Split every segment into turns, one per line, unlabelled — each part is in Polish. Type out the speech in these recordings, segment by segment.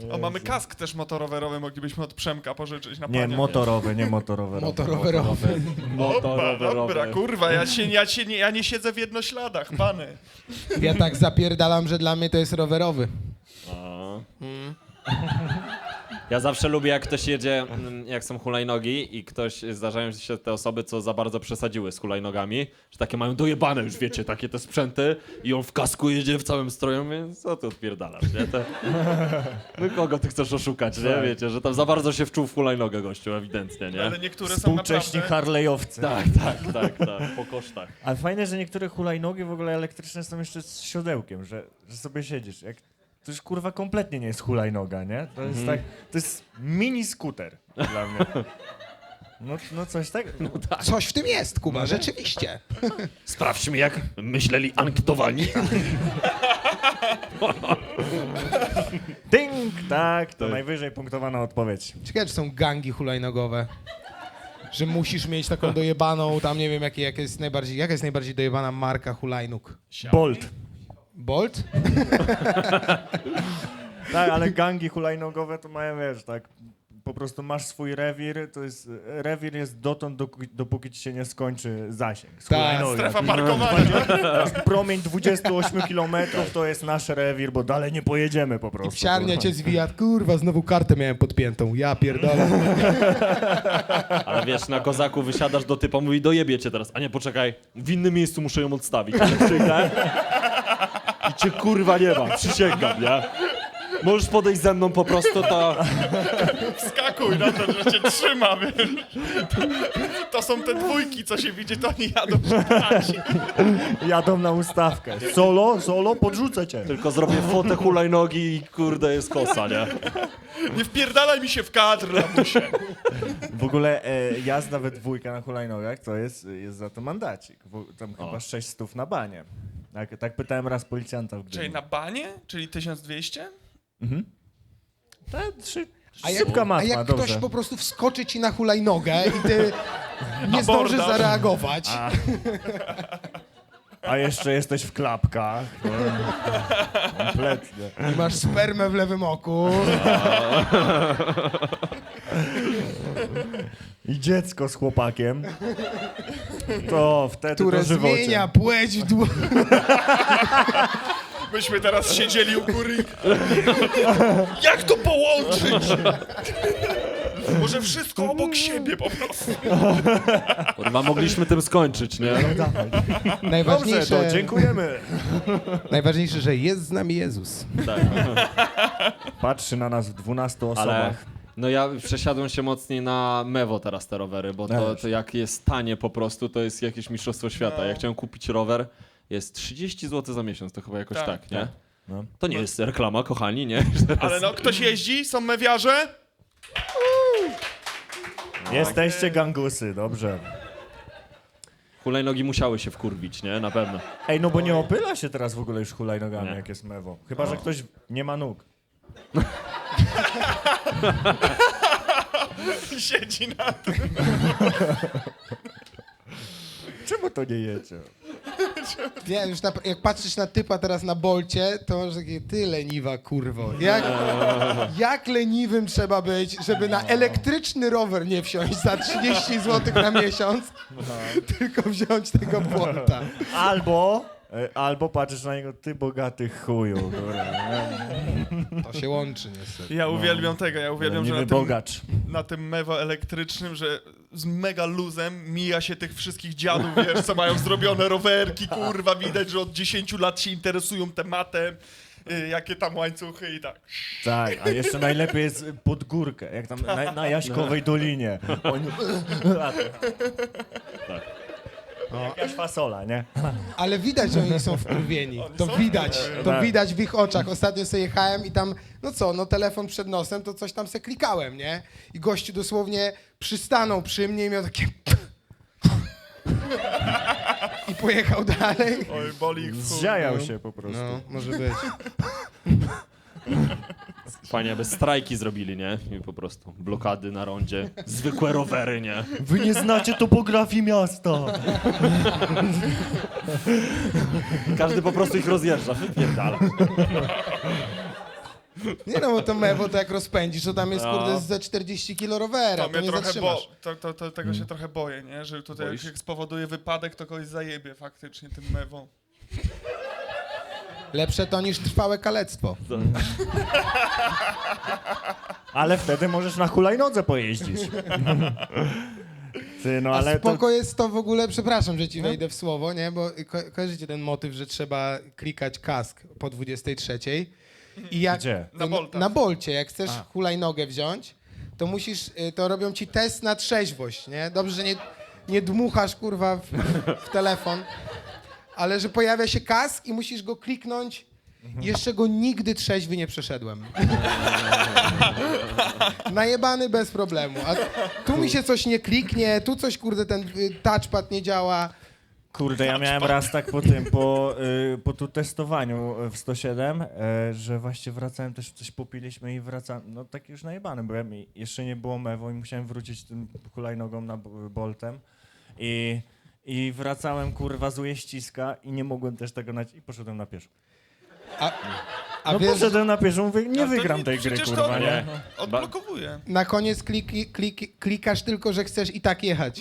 O, mamy kask też motorowerowy, moglibyśmy od Przemka pożyczyć na
Nie,
panie.
motorowy, nie motorowerowy.
Motorowerowy.
Dobra, kurwa, ja nie siedzę w jednośladach, pany.
Ja tak zapierdalam, że dla mnie to jest rowerowy.
Ja zawsze lubię, jak ktoś jedzie, jak są hulajnogi i zdarzają się te osoby, co za bardzo przesadziły z hulajnogami, że takie mają dojebane już, wiecie, takie te sprzęty i on w kasku jedzie w całym stroju, więc co ty odpierdalasz, nie? No kogo ty chcesz oszukać, nie? Wiecie, że tam za bardzo się wczuł w hulajnogę gościu, ewidentnie, nie?
Ale niektóre są
Współcześni
naprawdę...
Harley'owcy.
Tak, po kosztach.
Ale fajne, że niektóre hulajnogi w ogóle elektryczne są jeszcze z siodełkiem, że sobie siedzisz. To już kurwa kompletnie nie jest hulajnoga, nie? To jest tak, to jest mini skuter dla mnie. No coś tak. No,
Coś w tym jest, Kuba, rzeczywiście.
Sprawdźmy, jak myśleli ankietowani.
Ding! Tak, to najwyżej punktowana odpowiedź.
Ciekawe, czy są gangi hulajnogowe. Że musisz mieć taką dojebaną, tam nie wiem, jaka jest najbardziej dojebana marka hulajnóg.
Bolt.
Bolt?
Tak, ale gangi hulajnogowe to mają, wiesz, tak, po prostu masz swój rewir, rewir jest dotąd, dopóki ci się nie skończy zasięg. Z
Tak,
hulajnogi.
Strefa parkowania.
Promień 28 km to jest nasz rewir, bo dalej nie pojedziemy po prostu.
Psiarnia cię zwija, kurwa, znowu kartę miałem podpiętą, ja pierdolę.
Ale wiesz, na kozaku wysiadasz do typa, mówi dojebie cię teraz. A nie, poczekaj, w innym miejscu muszę ją odstawić. I cię kurwa nie ma, przysięgam, nie? Możesz podejść ze mną po prostu, to...
Wskakuj na to, że cię trzyma, wiesz. To są te dwójki, co się widzi, to oni jadą szukać.
Jadą na ustawkę. Solo, podrzucę cię.
Tylko zrobię fotę hulajnogi i kurde jest kosa, nie?
Nie wpierdalaj mi się w kadr, lamusie.
W ogóle jazda we dwójkę na hulajnogach to jest za to mandacik. Tam chyba 600 na banie. Tak pytałem raz policjanta w Gdyni.
Czyli na banie? Czyli 1200?
Szybka matma,
A jak
dobrze.
ktoś po prostu wskoczy ci na hulajnogę i ty nie
Abordaż.
zdążysz zareagować.
A jeszcze jesteś w klapkach. Kompletnie.
I masz spermę w lewym oku.
I dziecko z chłopakiem. To wtedy
Które
to żywocie.
zmienia płeć w dłoń.
Myśmy teraz siedzieli u góry. Jak to połączyć? Może wszystko obok siebie po prostu.
Kurwa, mogliśmy tym skończyć, nie?
Dobrze, to dziękujemy.
Najważniejsze, że jest z nami Jezus.
Patrzy na nas w 12 osobach.
Ale no ja przesiadłem się mocniej na Mewo teraz te rowery, bo to jak jest tanie po prostu, to jest jakieś mistrzostwo świata. Ja chciałem kupić rower, jest 30 zł za miesiąc, to chyba jakoś tak, nie?
No.
To nie jest reklama, kochani, nie?
Ale no, ktoś jeździ? Są mewiarze?
Jesteście gangusy, dobrze.
Hulajnogi musiały się wkurwić, nie? Na pewno.
Ej, no bo nie opyla się teraz w ogóle już hulajnogami,
Nie.
jak jest mewo. Chyba, że ktoś nie ma nóg.
Siedzi na tym.
Czemu to nie jecie?
Nie, już jak patrzysz na typa teraz na Bolcie, to masz takie, ty leniwa kurwo. Jak leniwym trzeba być, żeby na elektryczny rower nie wsiąść za 30 zł na miesiąc, tylko wziąć tego Bolta.
Albo patrzysz na niego, ty bogaty chuju. Kurwa.
To się łączy niestety.
Ja uwielbiam tego, ja uwielbiam, że
Niby bogacz.
na tym mewo elektrycznym, że z mega luzem mija się tych wszystkich dziadów, wiesz, co mają zrobione rowerki, kurwa, widać, że od 10 lat się interesują tematem, jakie tam łańcuchy i tak.
Tak, a jeszcze najlepiej jest pod górkę, jak tam na Jaśkowej Dolinie. Oni... Jakaś fasola, nie?
Ale widać, że oni są wkurwieni. To widać w ich oczach. Ostatnio sobie jechałem i tam, telefon przed nosem, to coś tam se klikałem, nie? I gościu dosłownie przystanął przy mnie i miał takie... I pojechał dalej.
Oj, boli ich w chuj.
Zziajał się po prostu.
No, może być.
Fajnie, aby strajki zrobili, nie? I po prostu blokady na rondzie, zwykłe rowery, nie?
Wy nie znacie topografii miasta.
Każdy po prostu ich rozjeżdża, wypierdala.
Nie no, bo to mewo to jak rozpędzisz, to tam jest
No.
kurde ze 40 kilo rowera,
To
to
mnie
nie
trochę
zatrzymasz.
tego się trochę boję, nie? Że tutaj
Boisz?
jak spowoduje wypadek, to kogoś zajebie faktycznie tym mewą.
Lepsze to niż trwałe kalectwo.
Ale wtedy możesz na hulajnodze pojeździć. Ty, no
A
ale to...
spoko jest to w ogóle, przepraszam, że ci wejdę w słowo, nie? Bo kojarzycie ten motyw, że trzeba klikać kask po 23. I jak,
Gdzie?
Na Boltach.
Na Bolcie, jak chcesz hulajnogę wziąć, to musisz, to robią ci test na trzeźwość, nie? Dobrze, że nie dmuchasz, kurwa, w telefon, ale że pojawia się kask i musisz go kliknąć. Jeszcze go nigdy trzeźwy nie przeszedłem. Najebany bez problemu. A tu mi się coś nie kliknie, tu coś, kurde, ten touchpad nie działa.
Kurde, ja miałem raz tak po tu testowaniu w 107, że właśnie wracałem, też coś popiliśmy i wracałem, no tak już najebany byłem i jeszcze nie było mewo i musiałem wrócić tym hulajnogą na Boltem i wracałem, kurwa, z ujeździska i nie mogłem też tego i poszedłem na pieszo.
A
No
wiesz,
poszedłem na pieszo, mówię, nie
Ale to
wygram
nie-
tej gry,
przecież to-
kurwa, nie?
Odblokowuje.
na koniec klikasz tylko, że chcesz i tak jechać.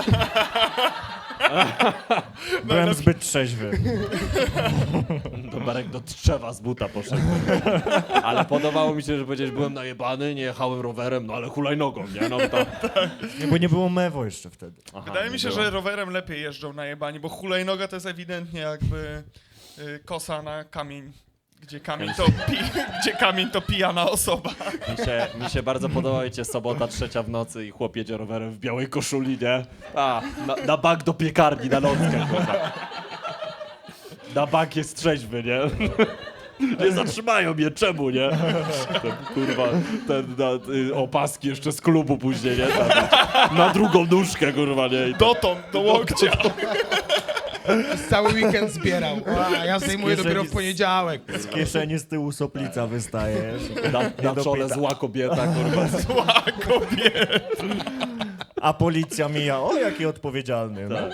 Byłem zbyt trzeźwy.
To Marek do drzewa z buta poszedł. Ale podobało mi się, że powiedziałeś, byłem najebany, nie jechałem rowerem, no ale hulajnogą, nie? No to...
Nie, bo nie było mewo jeszcze wtedy.
Aha,
Wydaje
nie
mi się,
było.
że rowerem lepiej jeżdżą na jebani, bo hulajnoga to jest ewidentnie jakby kosa na kamień. Gdzie kamień to pijana osoba.
Mi się bardzo podoba, wiecie, sobota, 3 w nocy i chłop jedzie rowerem w białej koszuli, nie? A, na bank do piekarni, na nockę, kurwa. Na bank jest trzeźwy, nie? Nie zatrzymają mnie, czemu, nie? Kurwa, opaski jeszcze z klubu później, nie? Na drugą nóżkę, kurwa, nie? I
Dotąd, do łokcia.
Cały weekend zbierał. A ja zdejmuję
kieszeni
dopiero w poniedziałek.
Z kieszeni z tyłu soplica wystaje.
na czole zła kobieta, kurwa.
Zła kobieta.
A policja mija, o jaki odpowiedzialny. No.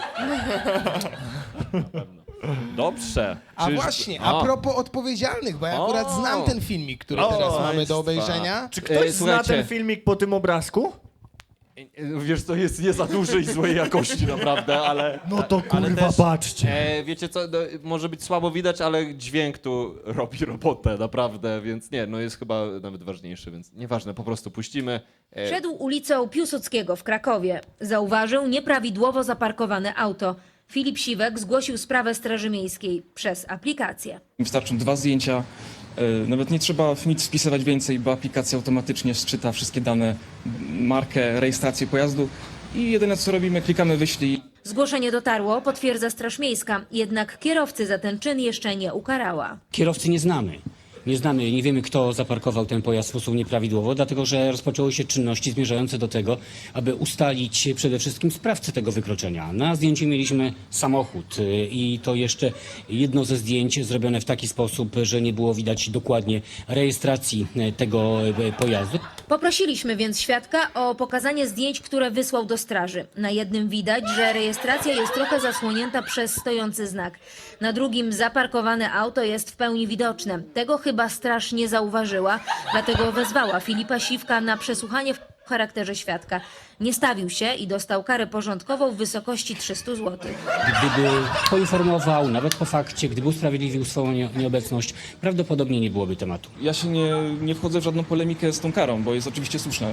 Dobrze.
A
Czyż-
właśnie, a propos odpowiedzialnych, bo ja akurat znam ten filmik, który teraz mamy do obejrzenia.
Czy ktoś zna
słuchajcie.
ten filmik po tym obrazku?
Wiesz, to jest nie za duży i złej jakości naprawdę, ale...
No to
ale
kurwa,
też,
patrzcie.
wiecie co, no, może być słabo widać, ale dźwięk tu robi robotę, naprawdę, więc nie, no jest chyba nawet ważniejszy, więc nieważne, po prostu puścimy.
Szedł ulicą Piłsudskiego w Krakowie. Zauważył nieprawidłowo zaparkowane auto. Filip Siwek zgłosił sprawę Straży Miejskiej przez aplikację.
Wystarczą 2 zdjęcia, nawet nie trzeba nic wpisywać więcej, bo aplikacja automatycznie sczyta wszystkie dane, markę, rejestrację pojazdu i jedyne co robimy, klikamy wyślij.
Zgłoszenie dotarło, potwierdza Straż Miejska, jednak kierowcy za ten czyn jeszcze nie ukarała.
Kierowcy nie znamy. Nie wiemy, kto zaparkował ten pojazd w sposób nieprawidłowo, dlatego że rozpoczęły się czynności zmierzające do tego, aby ustalić przede wszystkim sprawcę tego wykroczenia. Na zdjęciu mieliśmy samochód i to jeszcze jedno ze zdjęć zrobione w taki sposób, że nie było widać dokładnie rejestracji tego pojazdu.
Poprosiliśmy więc świadka o pokazanie zdjęć, które wysłał do straży. Na jednym widać, że rejestracja jest trochę zasłonięta przez stojący znak. Na drugim zaparkowane auto jest w pełni widoczne. Tego chyba straż nie zauważyła, dlatego wezwała Filipa Siwka na przesłuchanie w charakterze świadka. Nie stawił się i dostał karę porządkową w wysokości 300 zł.
Gdyby poinformował, nawet po fakcie, gdyby usprawiedliwił swoją nieobecność, prawdopodobnie nie byłoby tematu.
Ja się nie wchodzę w żadną polemikę z tą karą, bo jest oczywiście słuszna.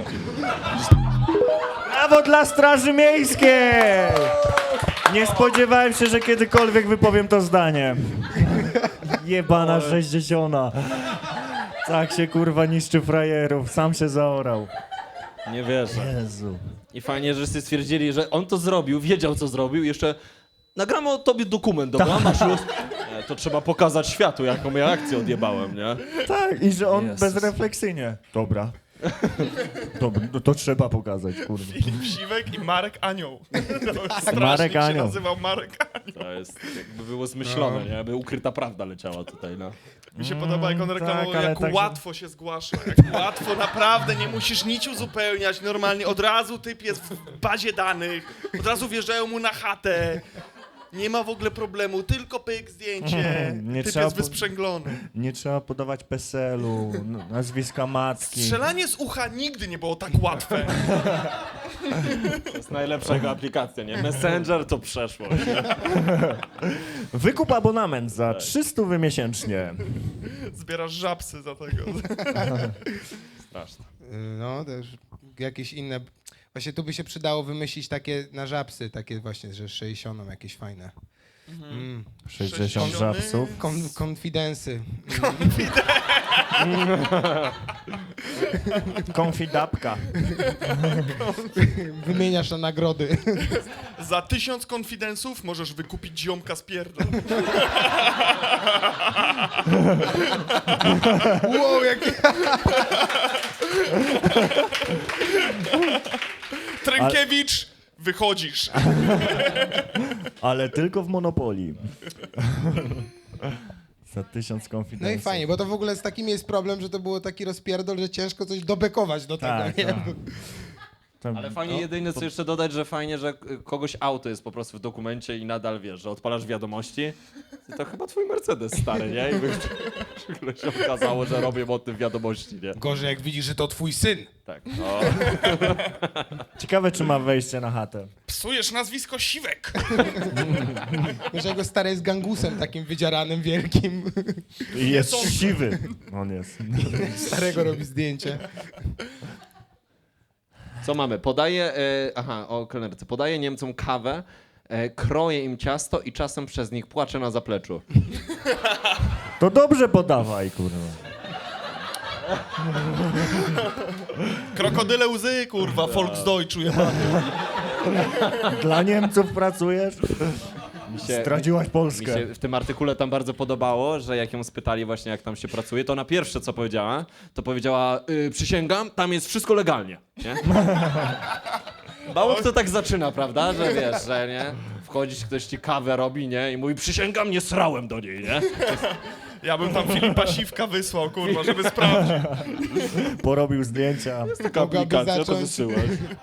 Brawo dla Straży Miejskiej! Nie spodziewałem się, że kiedykolwiek wypowiem to zdanie. Jebana 60. Tak się kurwa niszczy frajerów, sam się zaorał.
Nie wierzę.
Jezu.
I fajnie, że wszyscy stwierdzili, że on to zrobił, wiedział co zrobił, jeszcze nagramy o tobie dokument, dobra? Masz luz? To trzeba pokazać światu, jaką ja akcję odjebałem, nie?
Tak, i że on
Jezus.
bezrefleksyjnie. Dobra. Dobra, no to trzeba pokazać, kurwa.
Filip Siwek i Marek Anioł. To
Marek
się
Anioł.
nazywał Marek Anioł.
To jest, jakby było zmyślone, nie? Jakby ukryta prawda leciała tutaj, no.
Mi się podoba, jak on reklamował,
tak, ale
jak
tak, że-
łatwo się zgłasza. Jak łatwo, naprawdę, nie musisz nic uzupełniać. Normalnie od razu typ jest w bazie danych, od razu wjeżdżają mu na chatę. Nie ma w ogóle problemu, tylko pyk zdjęcie.
Nie
Typ
trzeba
jest
po-
wysprzęglony.
Nie trzeba podawać PESEL-u, nazwiska matki.
Strzelanie z ucha nigdy nie było tak łatwe.
To jest najlepsza jego aplikacja, nie? Messenger to przeszłość.
Wykup abonament za 300 miesięcznie.
Zbierasz żabsy za tego.
Straszne.
No, też jakieś inne... Właśnie tu by się przydało wymyślić takie na żabsy, takie właśnie, że 60 jakieś fajne.
60 żabsów.
Konfidensy.
Konfidapka.
Wymieniasz na nagrody.
Za 1000 konfidensów możesz wykupić ziomka z pierdol.
Wow, jakie...
Trękiewicz, wychodzisz.
Ale tylko w Monopolii. Za 1000 konfidensów.
No i fajnie, bo to w ogóle z takim jest problem, że to było taki rozpierdol, że ciężko coś dobekować do tego,
Tak,
nie?
tak. Tam-
Ale fajnie jedyne co jeszcze dodać, że fajnie, że kogoś auto jest po prostu w dokumencie i nadal wiesz, że odpalasz wiadomości. To chyba twój Mercedes stary, nie? I nagle się okazało, że robię o tym wiadomości, nie?
Gorzej jak widzisz, że to twój syn.
Tak. No.
Ciekawe, czy ma wejście na chatę.
Psujesz nazwisko Siwek.
Wiesz, jego stary jest gangusem takim wydzieranym, wielkim.
I jest siwy. On jest.
Starego robi zdjęcie.
Co mamy? Podaję, o kelnerce. Podaję Niemcom kawę, kroję im ciasto i czasem przez nich płaczę na zapleczu.
To dobrze podawaj, kurwa.
Krokodyle łzy, kurwa, Volksdeutsch jebany.
Dla Niemców pracujesz? Zdradziłaś
Mi
Polskę.
się w tym artykule tam bardzo podobało, że jak ją spytali właśnie jak tam się pracuje, to na pierwsze co powiedziała, to powiedziała przysięgam, tam jest wszystko legalnie, nie? Mało kto tak zaczyna, prawda, że wiesz, że nie? Wchodzić, ktoś ci kawę robi, nie? I mówi przysięgam, nie srałem do niej, nie?
Ja bym tam Filipa Siwka wysłał, kurwa, żeby sprawdzić.
Porobił zdjęcia.
Taka
Mogłaby
aplikacja, to
zacząć.
wysyłać.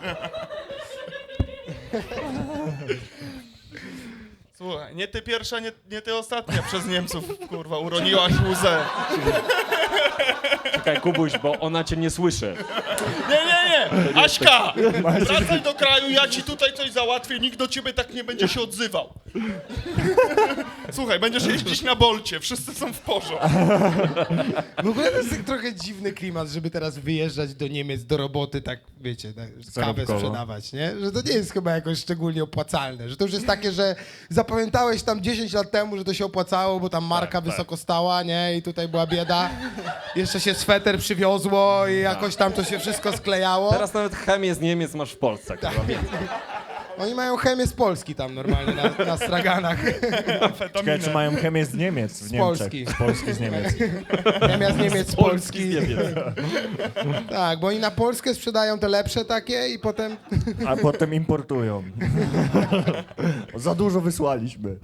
Słuchaj, nie ty pierwsza, nie ty ostatnia przez Niemców, kurwa, uroniłaś łzę.
Czekaj, Kubuś, bo ona cię nie słyszy.
Nie! Aśka! Wracaj do kraju, ja ci tutaj coś załatwię, nikt do ciebie tak nie będzie się odzywał. Słuchaj, będziesz jeździć na Bolcie, wszyscy są w porządku.
W ogóle to jest tak trochę dziwny klimat, żeby teraz wyjeżdżać do Niemiec, do roboty, tak wiecie, tak, kawę
Zarobkowo.
sprzedawać, nie? Że to nie jest chyba jakoś szczególnie opłacalne, że to już jest takie, że zapamiętałeś tam 10 lat temu, że to się opłacało, bo tam marka wysoko stała, nie? I tutaj była bieda. Jeszcze się sweter przywiozło i jakoś tam to się wszystko sklejało.
Teraz nawet chemię z Niemiec masz w Polsce, kurwa, więc.
Oni mają chemię z Polski tam normalnie na straganach.
Czekaj, czy mają chemię z Niemiec w Niemczech?
Polski.
Z Polski, z Niemiec.
Chemia z Niemiec, z Polski.
Nie wiem.
Tak, bo oni na Polskę sprzedają te lepsze takie i potem...
A potem importują. Za dużo wysłaliśmy.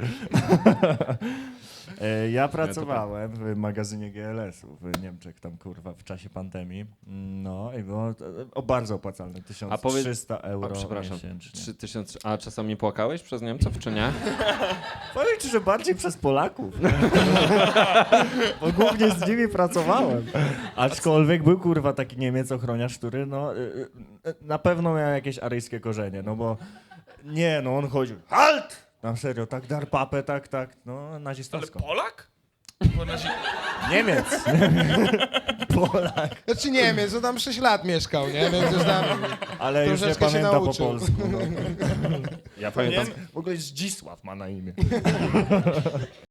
Ja pracowałem w magazynie GLS-u w Niemczech, tam kurwa, w czasie pandemii. No i było bardzo opłacalne, 1300 euro
przepraszam,
miesięcznie.
3000. A czasami płakałeś przez Niemców, czy nie?
Powiem ci, że bardziej przez Polaków. Bo głównie z nimi pracowałem. Aczkolwiek był kurwa taki Niemiec ochroniarz, który no na pewno miał jakieś aryjskie korzenie, no bo nie, no on chodził halt! Na serio, tak dar papę, tak, no
Ale
nazistowsko.
Polak? Bo
Niemiec. Polak.
Znaczy Niemiec, on tam 6 lat mieszkał, nie? Więc już tam...
Ale już nie
Troszeczkę się
pamięta po
nauczył.
polsku. No.
Ja pamiętam.
W ogóle Zdzisław ma na imię.